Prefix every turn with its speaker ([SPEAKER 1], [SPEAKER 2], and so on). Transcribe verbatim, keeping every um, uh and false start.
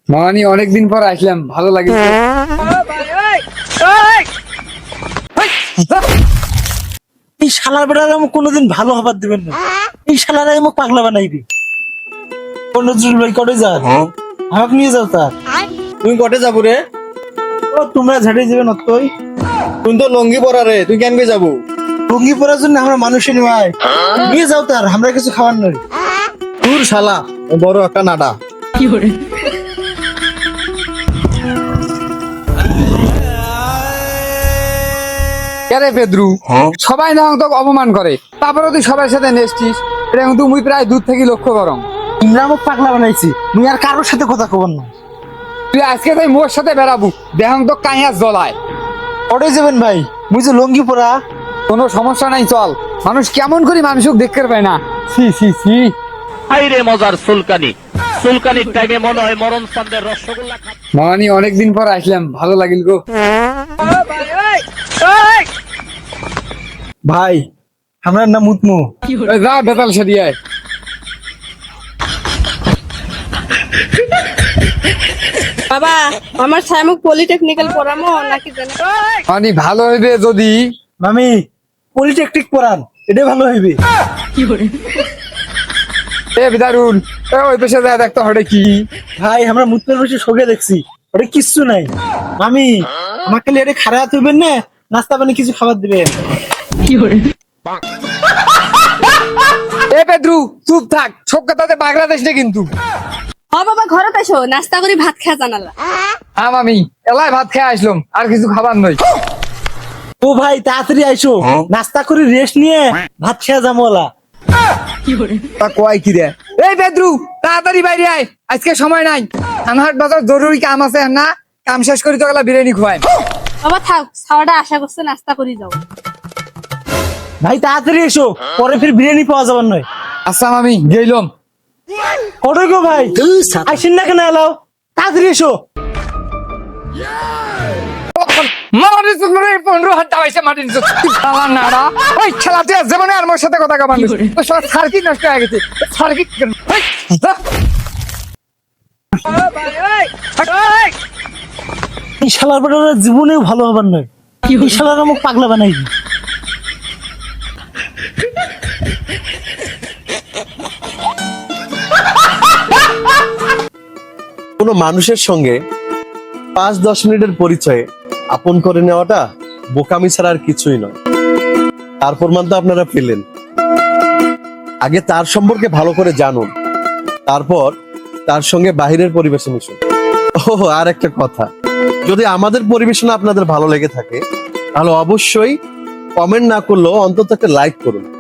[SPEAKER 1] মামানি অনেকদিন পর আসলাম, ভালো লাগে।
[SPEAKER 2] এই শালার বেটার আমাকে কোনোদিন ভালো হবার দিবেন না। এই শালার আমাকে পাগলা বানাইবি। নজরুল ভাই কটে যান, আমাকে নিয়ে যাও। তার
[SPEAKER 3] তুই কটে যাবো রে?
[SPEAKER 2] ও তোমরা ঝাড়িয়ে যাবে নতই।
[SPEAKER 3] তুই তো লঙ্গি পরা রে, তুই কেন যাবো?
[SPEAKER 2] লুঙ্গি পরার জন্য আমরা মানুষই নয়। নিয়ে যাও তার, আমরা কিছু খাবার নই।
[SPEAKER 3] তোর শালা বড় একটা নাডা।
[SPEAKER 1] আরে পেদ্রু, সবাই না তোকে অপমান করে, তারপরে তুই সবার সাথে নেসছিস। এটা কিন্তু মুই প্রায় দূর থেকে লক্ষ্য করম।
[SPEAKER 2] তোমরা আমাকে পাগলা বানাইছি, মুই আর কারোর সাথে কথা কবার না।
[SPEAKER 1] তুই আজকে তাই মোর সাথে বেড়াবো, দেখাম তো কাইয়া জ্বলায়।
[SPEAKER 2] কটে যাবেন ভাই? মুই যে লুঙ্গি পরা।
[SPEAKER 1] কোনো সমস্যা নাই, চল। মানুষ কেমন করে মানুষকে দেখতে পায় না। সি সি সি
[SPEAKER 4] হাইরে মজার সুলকানি সুলকানির টাইমে মনে হয় মরণ চাঁদের রসগোল্লা খা
[SPEAKER 1] মামানি অনেকদিন পর আসলাম, ভালো লাগিল গো।
[SPEAKER 2] ভাই আমরা না মুতমু।
[SPEAKER 1] এই যা বেতাল সেদিয়ায়।
[SPEAKER 5] বাবা, আমার ছায়ামুখ পলিটেকনিক্যাল পড়ামো নাকি জানে?
[SPEAKER 1] মামানি ভালো হইবে যদি
[SPEAKER 2] মামি পলিটেকনিক পড়ান, এটা ভালো হইবে।
[SPEAKER 1] এ বিদারুন, এ ওই পেশে যায় দেখতো হরে কি।
[SPEAKER 2] ভাই আমরা মুতমের বসে শোকে দেখছি, ওটা কিচ্ছু নাই। মামি আমাকে এটা খারাপ হইবেন না, নাস্তা পানি কিছু খাবার দিবেন।
[SPEAKER 1] এ পেদ্রু চুপ থাক, সব কথাতে বাংলাদেশ না কিন্তু।
[SPEAKER 5] হ বাবা, ঘরে এসো, নাস্তা করে ভাত খেয়া জানালা।
[SPEAKER 1] হ্যাঁ মামি, এলাই ভাত খেয়ে আসলাম, আর কিছু খাবার নই।
[SPEAKER 2] ও ভাই তাড়াতাড়ি আইসো, নাস্তা করে রেস্ট নিয়ে ভাত খেয়ে যামোলা।
[SPEAKER 1] তা কয় কি রে? এই পেদ্রু তাড়াতাড়ি বাইরে আয়, আজকে সময় নাই। আনহাট বাজার জরুরি কাম আছে না, কাম শেষ করি তো গেলা বিরিয়ানি খুয়াই।
[SPEAKER 5] বাবা থাক, খাওয়াটা আশা করছে, নাস্তা করে যাও।
[SPEAKER 2] ভাই তাড়াতাড়ি এসো, পরে ফির বিরিয়ানি পাওয়া যাবার নয়।
[SPEAKER 1] আচ্ছা মামি গেলাম।
[SPEAKER 2] কত গো ভাই, আইসেন না কেন এলাও? তাড়াতাড়ি এসো।
[SPEAKER 1] পনেরো হাত দাবাইছে মাটির নাড়া। ওই খেলা তুই জীবনে আর মোর সাথে কথা কামান সার্কিট নষ্ট হয়ে গেছে। সার্কিট
[SPEAKER 2] এই শালার বেটারা জীবনেও ভালো হবার নয়। এই শালার আমাকে পাগলা বানাইবি।
[SPEAKER 6] কোনো মানুষের সঙ্গে পাঁচ দশ মিনিটের পরিচয়ে আপন করে নেওয়াটা বোকামি ছাড়া আর কিছুই নয়। তার প্রমাণ তো আপনারা পেলেন। আগে তার সম্পর্কে ভালো করে জানুন, তারপর তার সঙ্গে বাহিরের পরিবেশে মিশুন। ও আর একটা কথা, যদি আমাদের পরিবেশনা আপনাদের ভালো লেগে থাকে তাহলে অবশ্যই কমেন্ট না করলেও অন্তত একটা লাইক করুন।